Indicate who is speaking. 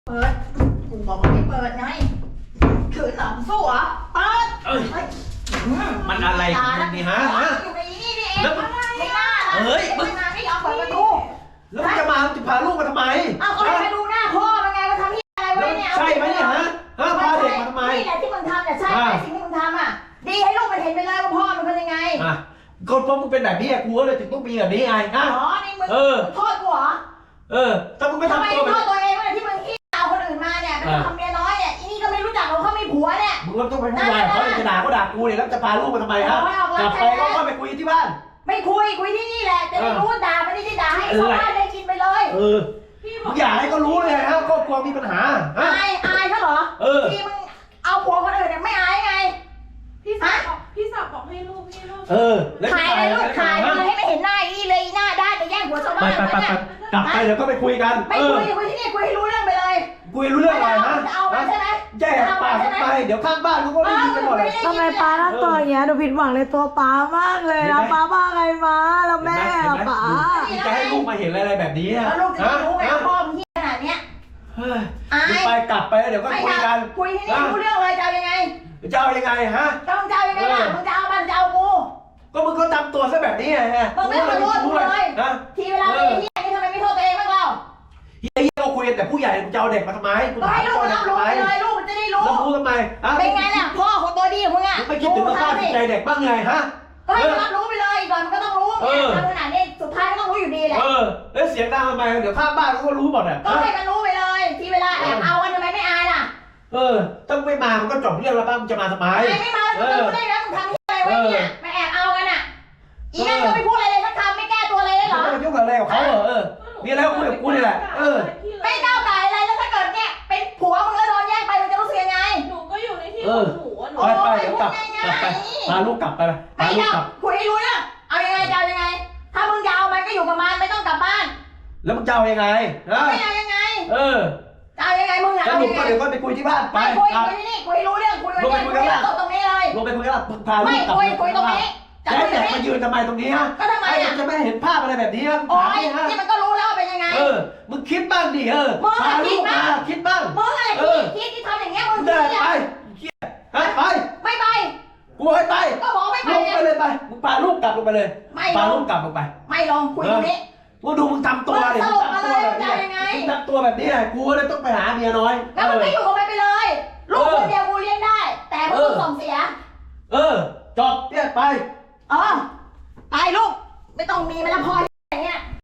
Speaker 1: เปิดกูบอกว่าไม่เปิดไงขืนหลังสู้เหรอเปิด
Speaker 2: มันอะไรของมึงนี่ฮะ
Speaker 1: อยู่ในนี่นี่เองไม่น่ามึงมาไม่ยอมเปิดประตู
Speaker 2: แล้วมึงจะพาลูกมาทำไม
Speaker 1: เอาก็ให้ดูหน้าพ่อมันไงว่าทำที่อะไรไว้เนี่ย
Speaker 2: ใช่ไหมเนี่ยฮะพาเด็กมาทำไม
Speaker 1: นี่แหละที่มึงทำเนี่ยใช่ไหมสิ่งที่มึงทำอ่ะดีให้ลูกมันเห็นไปเลยว่าพ่อมันเป็นยังไง
Speaker 2: ก็เพราะมึงเป็นแบบนี้กูก็เลยถึงต้องมีแบบนี้ไง
Speaker 1: อ๋อนี่มึงโทษกูเหรอ
Speaker 2: ถ้ามึงไม่ทำตัว
Speaker 1: โทษตัวเองว่าที่มึงขี้เอาคนอื่นมาเนี่ยเป็นทำเมียน้อยเนี่ยอีนี่ก็ไม่รู้จักเราเขาไม่ผัวเนี่ย
Speaker 2: มึงก็ต้องไปพูดอะไรเขาจะด่ากูเนี่ยแล้วจะพาลูกมาทำไมฮะกลับไปก็ไปคุยที่บ้าน
Speaker 1: ไม่คุยที่นี่แหละจะได้รู้ด่าไม่ได้ด่าให้ชาวบ้านได้กินไปเลย
Speaker 2: มึงอยากให้เขารู้เลยฮะครอบครัวมีปัญหา
Speaker 1: อายเขาเหรอที่มึงเอาผัวคนอื่นเนี่ยไม่อายไง
Speaker 3: พี่สาวบอกให้ลูก
Speaker 1: ขายเลยลูกขายเลยให้ไม่เห็นหน้าอีเลยหน้าด้านจะแย่งผัวชาวบ้าน
Speaker 2: เนี่ยกลับไปเดี๋ยวก็ไปคุยกัน
Speaker 1: ไม่คุยที่นี่คุยให้รู้เรื่องไปเลย
Speaker 2: คุยรู้เรื่องอะไรนะ
Speaker 1: จะเอาไปใช่ไหม
Speaker 2: แย่ปากไปเดี๋ยวข้างบ้านเขาก็ได้ยินกันหมดเลย
Speaker 4: ทำไมป้าทำตัวอย่างเงี้ยหนูผิดหวังในตัวป้ามากเลยนะป้าบ้าไงมาแล้วแม่ป้า
Speaker 2: จะให้ลูกมาเห็นอะไรแบบนี้
Speaker 1: แล้วลูกจะรู้ไหมพ่อมึงที่ขนาดเนี้ย
Speaker 2: ไปกลับไปเดี๋ยวก็คุยกัน
Speaker 1: คุยที่นี่รู้เรื่องเลยจะเอายังไง
Speaker 2: จะเอายังไงฮะ
Speaker 1: จะเอายังไงล่ะมึงจะเอามันจะเอากู
Speaker 2: ก็มึงก็ทำตัวซะแบบนี้ไง
Speaker 1: มึงไม่ขอโทษกูเลยทีเวลาไอ้เฮียนี่ทำไมไม่โทษตัวเองบ้างเรา
Speaker 2: เฮียเราคุยกันแต่ผู้ใหญ่จะเอาเด็กมาทำไม
Speaker 1: ก็ให้ลูกมันรู้เลยลูกมันจะได้รู้
Speaker 2: แล้วรู้ทำไม
Speaker 1: เป็นไงล่ะพ่อของตัวดีของมึงอ่ะ
Speaker 2: ไม่คิดถึงสภาพจิตใจเด็กบ้างไงฮะ
Speaker 1: ก็ให้รับรู้ไปเลยก่อนมันก็ต้องรู้ทำขนาดนี้สุดท้ายก็ต้องรู้อยู่ดีแหละ
Speaker 2: แล้วเสียงดังทำไมเดี๋ยวข้างบ้านเขาก็รู้หมดอ่ะ
Speaker 1: ก็ให้มันรู้ไปเลยทีเวลาแอบเอากันทำไมไม่อายล่ะ
Speaker 2: ต้องไม่มามันก็จบเรื่องแล้วป้ามึงจะมาทำไม
Speaker 1: ไม่มาแล้วมึงได้แล้วมึงทำอะไรไว้เนี่ยมาแอบเอากันอ่ะอีนั่นก็ไม่พูดอะไรเลยสักคำไม่แก้ตัวอะไรเลยเหรอ
Speaker 2: ไม่ยุ่งกับอะไรกับเขามีอะไรก็คุยกับกูนี่แหละ
Speaker 1: ไม่ก้าวไก่อะไรแล้วถ้าเกิดเนี่ยเป็นผัวมึงแล้วโดนแย่งไปมึงจะรู้สึกยังไง
Speaker 3: หนูก็อยู่ในที่ของหนู
Speaker 2: ไปเดี๋ยวกลับไปพาลูกกลับไป
Speaker 1: ไม่กลับคุยให้รู้เรื่องเอายังไงจะเอายังไงถ้ามึงจะเอามันก็อยู่กับมันไม่ต้องกลับบ้าน
Speaker 2: แล้วมึงจะเอายังไง
Speaker 1: ไม่เอายังไงจะเอายังไงมึง
Speaker 2: สรุปก็เดี๋ยวก็ไปคุยที่บ้านไป
Speaker 1: คุยที่นี่คุยรู้เรื่องคุยกันเนี่ยคุยตรงนี้เลย
Speaker 2: ลงไปคุยกันพาลูกกลับ
Speaker 1: คุยตรงนี้
Speaker 2: จะให้เด็กมายืนทำไมตรงนี้ฮะ
Speaker 1: ก็ทำไม
Speaker 2: จะไม่เห็นภาพอะไรแบบนี้ฮะ
Speaker 1: โอ้ยที่มันก็รู้แล้วเป็นยังไง
Speaker 2: มึงคิดบ้างดิพาลูกมาคิดบ้าง
Speaker 1: มึงอะไรคิดที่ทำอย่างเงี้ยมึง
Speaker 2: ได้ไปไป
Speaker 1: ไม่ไป
Speaker 2: กูให้ไป
Speaker 1: ก็บอกไม่ไป
Speaker 2: ลงไปเลยไปมึงพาลูกกลับลงไปเลยพาลูกกลับลงไป
Speaker 1: ไม่ลงคุยตรงนี้
Speaker 2: กูดูมึงทำตัวดิ
Speaker 1: มึงทำตัวแบบนี้
Speaker 2: มึงทำตัวแบบนี้ไงกูเลยต้องไปหาเมียน้อย
Speaker 1: แล้วมึงก็อยู่กับมันไปเลยลูกคนเดียวกูเลี้ยงได้แต่มึงต้องส่งเสีย
Speaker 2: จบเนี่ยไป
Speaker 1: ไปลูกไม่ต้องมีมันละพอ